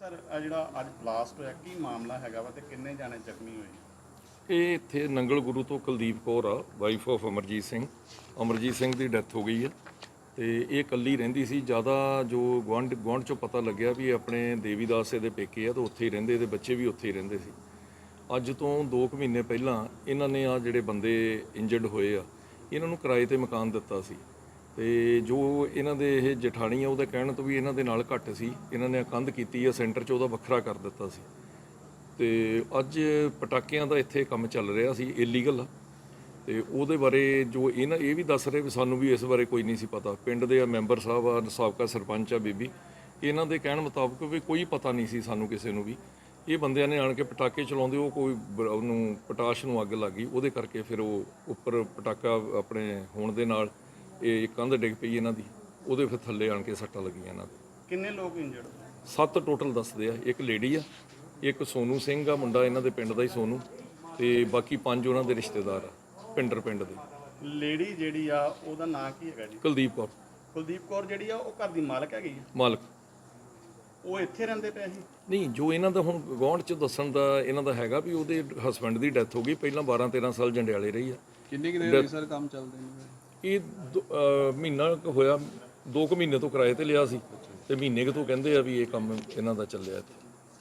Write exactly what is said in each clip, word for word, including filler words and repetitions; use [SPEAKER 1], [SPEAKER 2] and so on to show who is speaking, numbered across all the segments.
[SPEAKER 1] Sir ਆ ਜਿਹੜਾ ਅੱਜ ਬਲਾਸਟ ਹੋਇਆ ਕੀ ਮਾਮਲਾ ਹੈਗਾ ਵਾ ਤੇ ਕਿੰਨੇ ਜਾਣੇ ਜ਼ਖਮੀ ਹੋਏ?
[SPEAKER 2] ਇਹ ਇੱਥੇ ਨੰਗਲ ਗੁਰੂ ਤੋਂ ਕੁਲਦੀਪ ਕੌਰ ਆ, ਵਾਈਫ ਆਫ ਅਮਰਜੀਤ ਸਿੰਘ। ਅਮਰਜੀਤ ਸਿੰਘ ਦੀ ਡੈਥ ਹੋ ਗਈ ਹੈ ਤੇ ਇਹ ਇਕੱਲੀ ਰਹਿੰਦੀ ਸੀ। ਜ਼ਿਆਦਾ ਜੋ ਗੁਆਂਢ ਗੁਆਂਢ ਚੋਂ ਪਤਾ ਲੱਗਿਆ ਵੀ ਆਪਣੇ ਦੇਵੀਦਾਸ ਦੇ ਪੇਕੇ ਆ ਤਾਂ ਉੱਥੇ ਹੀ ਰਹਿੰਦੇ, ਇਹਦੇ ਬੱਚੇ ਵੀ ਉੱਥੇ ਹੀ ਰਹਿੰਦੇ ਸੀ। ਅੱਜ ਤੋਂ ਦੋ ਕੁ ਮਹੀਨੇ ਪਹਿਲਾਂ ਇਹਨਾਂ ਨੇ ਆ ਜਿਹੜੇ ਬੰਦੇ ਇੰਜਰਡ ਹੋਏ ਆ ਇਹਨਾਂ ਨੂੰ ਕਿਰਾਏ ਤੇ ਮਕਾਨ ਦਿੱਤਾ ਸੀ ਤੇ ਜੋ ਇਹਨਾਂ ਦੇ ਇਹ ਜਠਾਣੀ ਆ ਉਹਦੇ ਕਹਿਣ ਤੋਂ ਵੀ ਇਹਨਾਂ ਦੇ ਨਾਲ ਘੱਟ ਸੀ, ਇਹਨਾਂ ਨੇ ਕੰਧ ਕੀਤੀ ਆ ਸੈਂਟਰ 'ਚ, ਉਹਦਾ ਵੱਖਰਾ ਕਰ ਦਿੱਤਾ ਸੀ। ਤੇ ਅੱਜ ਪਟਾਕਿਆਂ ਦਾ ਇੱਥੇ ਕੰਮ ਚੱਲ ਰਿਹਾ ਸੀ ਇਲੀਗਲ, ਤੇ ਉਹਦੇ ਬਾਰੇ ਜੋ ਇਹਨਾਂ ਇਹ ਵੀ ਦੱਸ ਰਹੇ ਵੀ ਸਾਨੂੰ ਵੀ ਇਸ ਬਾਰੇ ਕੋਈ ਨਹੀਂ ਸੀ ਪਤਾ। ਪਿੰਡ ਦੇ ਆ ਮੈਂਬਰ ਸਾਹਿਬ ਆ, ਸਾਬਕਾ ਸਰਪੰਚ ਆ ਬੀਬੀ, ਇਹਨਾਂ ਦੇ ਕਹਿਣ ਮੁਤਾਬਕ ਵੀ ਕੋਈ ਪਤਾ ਨਹੀਂ ਸੀ ਸਾਨੂੰ ਕਿਸੇ ਨੂੰ ਵੀ। ਇਹ ਬੰਦਿਆਂ ਨੇ ਆਣ ਕੇ ਪਟਾਕੇ ਚਲਾਉਂਦੇ, ਉਹ ਕੋਈ ਉਹਨੂੰ ਪਟਾਸ਼ ਨੂੰ ਅੱਗ ਲੱਗ ਗਈ, ਉਹਦੇ ਕਰਕੇ ਫਿਰ ਉਹ ਉੱਪਰ ਪਟਾਕਾ ਆਪਣੇ ਹੋਣ ਦੇ ਨਾਲ ਇਹ ਕੰਧ ਡਿੱਗ ਪਈ ਇਹਨਾਂ ਦੀ, ਉਹਦੇ ਫਿਰ ਥੱਲੇ ਆਣ ਕੇ ਸੱਟਾਂ ਲੱਗੀਆਂ ਇਹਨਾਂ ਦੇ।
[SPEAKER 1] ਕਿੰਨੇ ਲੋਕ ਇੰਜਰਡ?
[SPEAKER 2] ਸੱਤ ਟੋਟਲ ਦੱਸਦੇ ਆ। ਇੱਕ ਲੇਡੀ ਆ, ਇੱਕ ਸੋਨੂ ਸਿੰਘ ਆ ਮੁੰਡਾ ਇਹਨਾਂ ਦੇ ਪਿੰਡ ਦਾ ਹੀ ਸੋਨੂ, ਤੇ ਬਾਕੀ ਪੰਜ ਉਹਨਾਂ ਦੇ ਰਿਸ਼ਤੇਦਾਰ ਆ ਪਿੰਡਰ ਪਿੰਡ ਦੇ।
[SPEAKER 1] ਲੇਡੀ ਜਿਹੜੀ ਆ ਉਹਦਾ ਨਾਂ ਕੀ ਹੈਗਾ ਜੀ?
[SPEAKER 2] ਕੁਲਦੀਪ ਕੌਰ।
[SPEAKER 1] ਕੁਲਦੀਪ ਕੌਰ ਜਿਹੜੀ ਆ ਉਹ ਘਰ ਦੀ ਮਾਲਕ ਹੈਗੀ ਆ?
[SPEAKER 2] ਮਾਲਕ।
[SPEAKER 1] ਉਹ ਇੱਥੇ ਰਹਿੰਦੇ ਪਏ ਸੀ?
[SPEAKER 2] ਨਹੀਂ, ਜੋ ਇਹਨਾਂ ਦਾ ਹੁਣ ਗੁਆਂਢ 'ਚ ਦੱਸਣ ਦਾ ਇਹਨਾਂ ਦਾ ਹੈਗਾ ਵੀ ਉਹਦੇ ਹਸਬੈਂਡ ਦੀ ਡੈਥ ਹੋ ਗਈ, ਪਹਿਲਾਂ ਬਾਰਾਂ ਤੇਰਾਂ ਸਾਲ ਜੰਡਿਆਲੇ ਰਹੀ ਆ।
[SPEAKER 3] ਕਿੰਨੇ ਕਿੰਨੇ ਹੋਈ ਸਰ ਕੰਮ ਚੱਲਦੇ ਨੇ?
[SPEAKER 2] ਇਹ ਦੋ- ਅਹ ਮਹੀਨਾ ਕੁ ਹੋਇਆ, ਦੋ ਕੁ ਮਹੀਨੇ ਤੋਂ ਕਿਰਾਏ ਤੇ ਲਿਆ ਸੀ ਤੇ ਮਹੀਨੇ ਕੁ ਤੋਂ ਕਹਿੰਦੇ ਆ ਵੀ ਇਹ ਕੰਮ ਇਹਨਾਂ ਦਾ ਚੱਲਿਆ ਇੱਥੇ।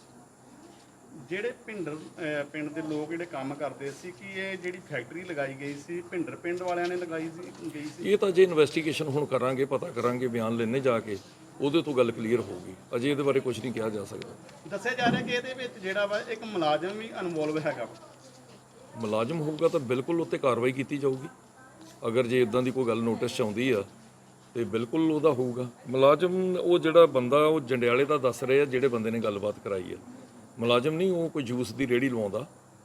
[SPEAKER 1] ਜਿਹੜੇ ਭਿੰਡਰ ਅਹ ਪਿੰਡ ਦੇ ਲੋਕ ਜਿਹੜੇ ਕੰਮ ਕਰਦੇ ਸੀ ਕਿ ਇਹ ਜਿਹੜੀ ਫੈਕਟਰੀ ਲਗਾਈ ਗਈ ਸੀ ਭਿੰਡਰ ਪਿੰਡ ਵਾਲਿਆਂ ਨੇ ਲਗਾਈ ਸੀ ਗਈ ਸੀ?
[SPEAKER 2] ਇਹ ਤਾਂ ਜੇ ਇਨਵੈਸਟੀਗੇਸ਼ਨ ਹੁਣ ਕਰਾਂਗੇ, ਪਤਾ ਕਰਾਂਗੇ, ਬਿਆਨ ਲੈਣੇ ਜਾ ਕੇ, ਉਹਦੇ ਤੋਂ ਗੱਲ ਕਲੀਅਰ ਹੋਊਗੀ। ਅਜੇ ਇਹਦੇ ਬਾਰੇ ਕੁਝ ਨਹੀਂ ਕਿਹਾ ਜਾ ਸਕਦਾ।
[SPEAKER 1] ਦੱਸਿਆ ਜਾ ਰਿਹਾ ਕਿ ਇਹਦੇ ਵਿੱਚ ਜਿਹੜਾ ਵਾ ਇੱਕ ਮੁਲਾਜ਼ਮ ਵੀ ਇਨਵੋਲਵ ਹੈਗਾ ਵਾ।
[SPEAKER 2] ਮੁਲਾਜ਼ਮ ਹੋਊਗਾ ਤਾਂ ਬਿਲਕੁਲ ਉੱਤੇ ਕਾਰਵਾਈ ਕੀਤੀ ਜਾਊਗੀ। ਅਗਰ ਜੇ ਇਦਾਂ ਦੀ ਕੋਈ ਗੱਲ ਨੋਟਿਸ 'ਚ ਆਉਂਦੀ ਆ ਤੇ ਬਿਲਕੁਲ ਉਹਦਾ ਹੋਊਗਾ ਮੁਲਾਜ਼ਮ। ਉਹ ਜਿਹੜਾ ਬੰਦਾ ਉਹ ਜੰਡਿਆਲੇ ਦਾ ਦੱਸ ਰਹੇ ਆ, ਜਿਹੜੇ ਬੰਦੇ ਨੇ ਗੱਲਬਾਤ ਕਰਾਈ ਆ, ਮੁਲਾਜ਼ਮ ਨਹੀਂ, ਉਹ ਕੋਈ ਜੂਸ ਦੀ ਰੇਹੜੀ ਲਵਾਉਂਦਾ।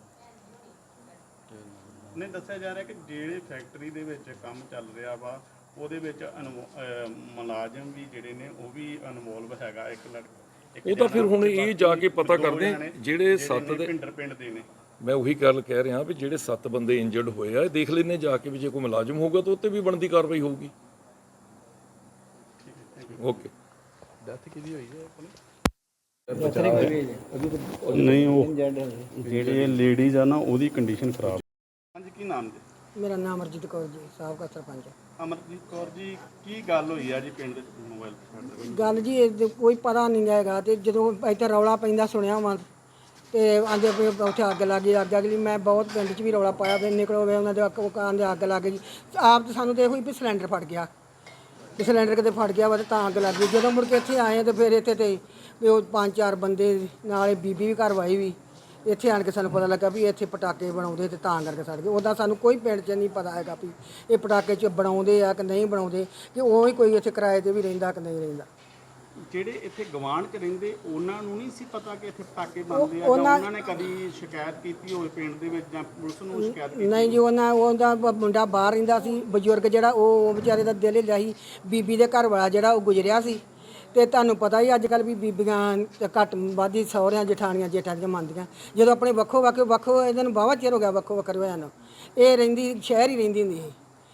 [SPEAKER 1] ਨਹੀਂ, ਦੱਸਿਆ ਜਾ ਰਿਹਾ ਕਿ ਜਿਹੜੇ ਫੈਕਟਰੀ ਦੇ ਵਿੱਚ ਕੰਮ ਚੱਲ ਰਿਹਾ ਵਾ ਉਹਦੇ ਵਿੱਚ ਮੁਲਾਜ਼ਮ ਵੀ ਜਿਹੜੇ ਨੇ ਉਹ ਵੀ ਇਨਵੋਲਵ ਹੈਗਾ। ਇੱਕ ਲੜਕਾ
[SPEAKER 2] ਉਹ ਤਾਂ ਫਿਰ ਹੁਣ ਇਹ ਜਾ ਕੇ ਪਤਾ ਕਰਦੇ ਜਿਹੜੇ ਸੱਤ ਦੇ
[SPEAKER 1] ਭਿੰਡਰ ਪਿੰਡ ਦੇ ਨੇ।
[SPEAKER 2] ਮੈਂ ਉਹੀ ਗੱਲ ਕਹਿ ਰਿਹਾ ਵੀ ਜਿਹੜੇ ਸੱਤ ਬੰਦੇ ਇੰਜਰਡ ਹੋਏ ਆ, ਇਹ ਦੇਖ ਲੈਣੇ ਜਾ ਕੇ ਵੀ ਜੇ ਕੋਈ ਮੁਲਾਜ਼ਮ ਹੋਊਗਾ ਤਾਂ ਉੱਤੇ ਵੀ ਬਣਦੀ ਕਾਰਵਾਈ ਹੋਊਗੀ। ਓਕੇ।
[SPEAKER 3] ਡੈਥ ਕਿਹਦੀ ਹੋਈ ਹੈ ਆਪਣੀ?
[SPEAKER 1] ਨਹੀਂ, ਉਹ ਜਿਹੜੇ ਲੇਡੀਜ਼ ਆ ਨਾ ਉਹਦੀ ਕੰਡੀਸ਼ਨ ਖਰਾਬ। ਹਾਂਜੀ, ਕੀ ਨਾਮ ਜੀ?
[SPEAKER 4] ਮੇਰਾ ਨਾਮ ਅਰਜੀਤ ਕੌਰ ਜੀ, ਸਾਬਕਾ ਸਰਪੰਚ।
[SPEAKER 1] ਅਮਰਜੀਤ ਕੌਰ ਜੀ, ਕੀ ਗੱਲ ਹੋਈ ਆ ਜੀ ਪਿੰਡ ਦੇ ਮੋਬਾਈਲ?
[SPEAKER 4] ਗੱਲ ਜੀ ਇਹ ਕੋਈ ਪਤਾ ਨਹੀਂ ਹੈਗਾ, ਤੇ ਜਦੋਂ ਇੱਥੇ ਰੌਲਾ ਪੈਂਦਾ ਸੁਣਿਆ ਵਾ ਤੇ ਆਂਦੇ ਵੀ ਉੱਥੇ ਅੱਗ ਲੱਗ ਗਈ, ਅੱਗ ਅਗਲੀ ਮੈਂ ਬਹੁਤ ਪਿੰਡ 'ਚ ਵੀ ਰੌਲਾ ਪਾਇਆ ਵੀ ਨਿਕਲੋ ਵੇ ਉਹਨਾਂ ਦੇ ਮਕਾਨ ਦੇ ਅੱਗ ਲੱਗ ਗਈ। ਆਪ ਤਾਂ ਸਾਨੂੰ ਤਾਂ ਇਹੋ ਹੀ ਵੀ ਸਿਲੰਡਰ ਫਟ ਗਿਆ, ਤੇ ਸਿਲੰਡਰ ਕਿਤੇ ਫਟ ਗਿਆ ਵਾ ਤੇ ਤਾਂ ਅੱਗ ਲੱਗ ਗਈ। ਜਦੋਂ ਮੁੜ ਕੇ ਇੱਥੇ ਆਏ ਤੇ ਫਿਰ ਇੱਥੇ ਤੇ ਵੀ ਉਹ ਪੰਜ ਚਾਰ ਬੰਦੇ ਨਾਲ ਬੀਬੀ ਵੀ ਘਰ ਵਾਈ ਵੀ ਇੱਥੇ ਆਣ ਕੇ ਸਾਨੂੰ ਪਤਾ ਲੱਗਾ ਵੀ ਇੱਥੇ ਪਟਾਕੇ ਬਣਾਉਂਦੇ ਤੇ ਤਾਂ ਕਰਕੇ ਸੜ ਗਏ। ਉੱਦਾਂ ਸਾਨੂੰ ਕੋਈ ਪਿੰਡ 'ਚ ਨਹੀਂ ਪਤਾ ਹੈਗਾ ਵੀ ਇਹ ਪਟਾਕੇ 'ਚ ਬਣਾਉਂਦੇ ਆ ਕਿ ਨਹੀਂ ਬਣਾਉਂਦੇ, ਕਿ ਉਹ ਹੀ ਕੋਈ ਇੱਥੇ ਕਿਰਾਏ 'ਤੇ ਵੀ ਰਹਿੰਦਾ ਕਿ ਨਹੀਂ ਰਹਿੰਦਾ।
[SPEAKER 1] ਜਿਹੜੇ ਇੱਥੇ ਗਵਾਂਢ 'ਚ ਰਹਿੰਦੇ ਉਹਨਾਂ ਨੂੰ ਨਹੀਂ ਸੀ ਪਤਾ ਕਿ ਇੱਥੇ ਪਟਾਕੇ ਬਣਦੇ ਆ? ਜਾਂ ਉਹਨਾਂ ਨੇ ਕਦੀ ਸ਼ਿਕਾਇਤ ਕੀਤੀ ਹੋਵੇ ਪਿੰਡ ਦੇ ਵਿੱਚ ਜਾਂ ਪੁਲਿਸ ਨੂੰ ਸ਼ਿਕਾਇਤ ਕੀਤੀ?
[SPEAKER 4] ਨਹੀਂ ਜੀ, ਉਹਨਾਂ ਉਹਦਾ ਮੁੰਡਾ ਬਾਹਰ ਰਹਿੰਦਾ ਸੀ, ਬਜ਼ੁਰਗ ਜਿਹੜਾ ਉਹ ਵਿਚਾਰੇ ਦਾ ਦਿਲ ਹਿੱਲਿਆ ਸੀ। ਬੀਬੀ ਦੇ ਘਰ ਵਾਲਾ ਜਿਹੜਾ ਉਹ ਗੁਜ਼ਰਿਆ ਸੀ, ਤੇ ਤੁਹਾਨੂੰ ਪਤਾ ਹੀ ਅੱਜ ਕੱਲ੍ਹ ਵੀ ਬੀਬੀਆਂ ਘੱਟ ਵੱਧ ਹੀ ਸਹੁਰਿਆਂ ਜਠਾਣੀਆਂ ਜੇਠਾਂ ਦੀਆਂ ਮੰਨਦੀਆਂ। ਜਦੋਂ ਆਪਣੇ ਵੱਖੋ ਵੱਖ ਵੱਖੋ ਇਹਨਾਂ ਨੂੰ ਵਾਹਵਾ ਚਿਰ ਹੋ ਗਿਆ ਵੱਖੋ ਵੱਖਰੇ ਹੋਇਆ ਨੂੰ, ਇਹ ਰਹਿੰਦੀ ਸ਼ਹਿਰ ਹੀ ਰਹਿੰਦੀ ਹੁੰਦੀ ਸੀ,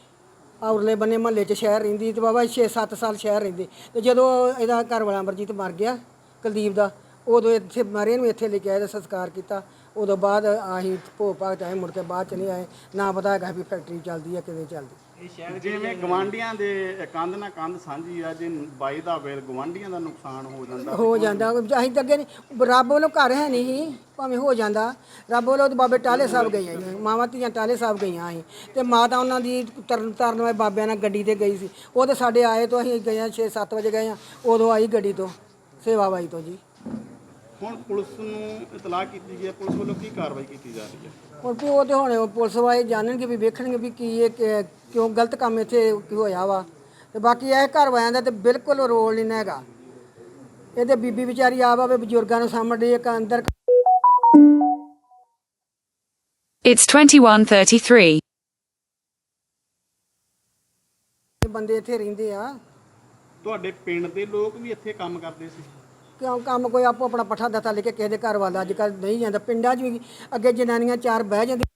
[SPEAKER 4] ਔਰਲੇ ਬੰਨੇ ਮਹੱਲੇ 'ਚ ਸ਼ਹਿਰ ਰਹਿੰਦੀ ਤੇ ਬਾਬਾ ਛੇ ਸੱਤ ਸਾਲ ਸ਼ਹਿਰ ਰਹਿੰਦੇ। ਤੇ ਜਦੋਂ ਇਹਦਾ ਘਰ ਵਾਲਾ ਅਮਰਜੀਤ ਮਰ ਗਿਆ ਕੁਲਦੀਪ ਦਾ, ਉਦੋਂ ਇੱਥੇ ਮਰੇ ਨੂੰ ਇੱਥੇ ਲੈ ਕੇ ਆਏ ਤੇ ਸੰਸਕਾਰ ਕੀਤਾ। ਉਦੋਂ ਬਾਅਦ ਅਸੀਂ ਭੋਗ ਭਾਗ 'ਚ ਆਏ, ਮੁੜ ਕੇ ਬਾਅਦ 'ਚ ਨਹੀਂ ਆਏ। ਨਾ ਪਤਾ ਹੈਗਾ ਵੀ ਫੈਕਟਰੀ ਚੱਲਦੀ ਹੈ ਕਿਵੇਂ ਚੱਲਦੀ।
[SPEAKER 1] ਜਿਵੇਂ ਗਵਾਂਢੀਆਂ ਦੇ ਕੰਧ ਨਾਲ ਕੰਧ ਸਾਂਝੀ ਆ, ਜੇ ਬਾਈ ਦਾ ਵੇਲ ਗਵਾਂਢੀਆਂ ਦਾ ਨੁਕਸਾਨ ਹੋ ਜਾਂਦਾ
[SPEAKER 4] ਹੋ ਜਾਂਦਾ। ਅਸੀਂ ਤਾਂ ਅੱਗੇ ਨਹੀਂ, ਰੱਬ ਵੱਲੋਂ ਘਰ ਹੈ ਨਹੀਂ ਸੀ, ਭਾਵੇਂ ਹੋ ਜਾਂਦਾ। ਰੱਬ ਵੱਲੋਂ ਤਾਂ ਬਾਬੇ ਟਾਲੇ ਸਾਹਿਬ ਗਈਆਂ ਸੀ, ਮਾਵਾਂ ਧੀਆਂ ਟਾਲੇ ਸਾਹਿਬ ਗਈਆਂ ਸੀ, ਤੇ ਮਾਤਾ ਉਹਨਾਂ ਦੀ ਤਰਨ ਤਾਰਨ ਵਾਲੇ ਬਾਬਿਆਂ ਨਾਲ ਗੱਡੀ ਤੇ ਗਈ ਸੀ। ਉਹ ਤਾਂ ਸਾਡੇ ਆਏ ਤੋਂ ਅਸੀਂ ਗਏ ਹਾਂ ਛੇ ਸੱਤ ਵਜੇ ਗਏ ਹਾਂ, ਉਦੋਂ ਆਈ ਗੱਡੀ ਤੋਂ ਸੇਵਾ ਬਾਈ ਤੋਂ ਜੀ।
[SPEAKER 1] ਹੁਣ ਪੁਲਿਸ ਨੂੰ ਇਤਲਾਹ ਕੀਤੀ ਗਈ ਹੈ, ਪੁਲਿਸ ਵੱਲੋਂ ਕੀ ਕਾਰਵਾਈ ਕੀਤੀ ਜਾ ਰਹੀ ਹੈ?
[SPEAKER 4] ਹੁਣ ਵੀ ਉਹ ਤੇ ਹੁਣ ਪੁਲਿਸ ਵਾਲੇ ਜਾਣਨਗੇ ਵੀ ਵੇਖਣਗੇ ਵੀ ਕੀ ਇਹ ਕਿ- ਕਿਉਂ ਗਲਤ ਕੰਮ ਇੱਥੇ ਕੀ ਹੋਇਆ ਵਾ। ਤੇ ਬਾਕੀ ਇਹ ਘਰ ਵਾਲਿਆਂ ਦਾ ਤੇ ਬਿਲਕੁਲ ਰੋਲ ਨਹੀਂ ਹੈਗਾ। ਇਹਦੇ ਬੀਬੀ ਵਿਚਾਰੀ ਆਪ ਆਵੇ ਬਜ਼ੁਰਗਾਂ ਨੂੰ ਸਾਹਮਣੇ ਇੱਕ ਅੰਦਰ।
[SPEAKER 5] It's twenty-one thirty-three.
[SPEAKER 4] ਬੰਦੇ ਇੱਥੇ ਰਹਿੰਦੇ ਆ।
[SPEAKER 1] ਤੁਹਾਡੇ ਪਿੰਡ ਦੇ ਲੋਕ ਵੀ ਇੱਥੇ ਕੰਮ ਕਰਦੇ ਸੀ?
[SPEAKER 4] ਕਿਉਂ ਕੰਮ ਕੋਈ ਆਪੋ ਆਪਣਾ ਪੱਠਾ ਦੱਤਾ ਲੈ ਕੇ ਕਿਸੇ ਦੇ ਘਰ ਵੱਲ ਅੱਜ ਕੱਲ੍ਹ ਨਹੀਂ ਜਾਂਦਾ। ਪਿੰਡਾਂ 'ਚ ਵੀ ਅੱਗੇ ਜਨਾਨੀਆਂ ਚਾਰ ਬਹਿ ਜਾਂਦੀਆਂ।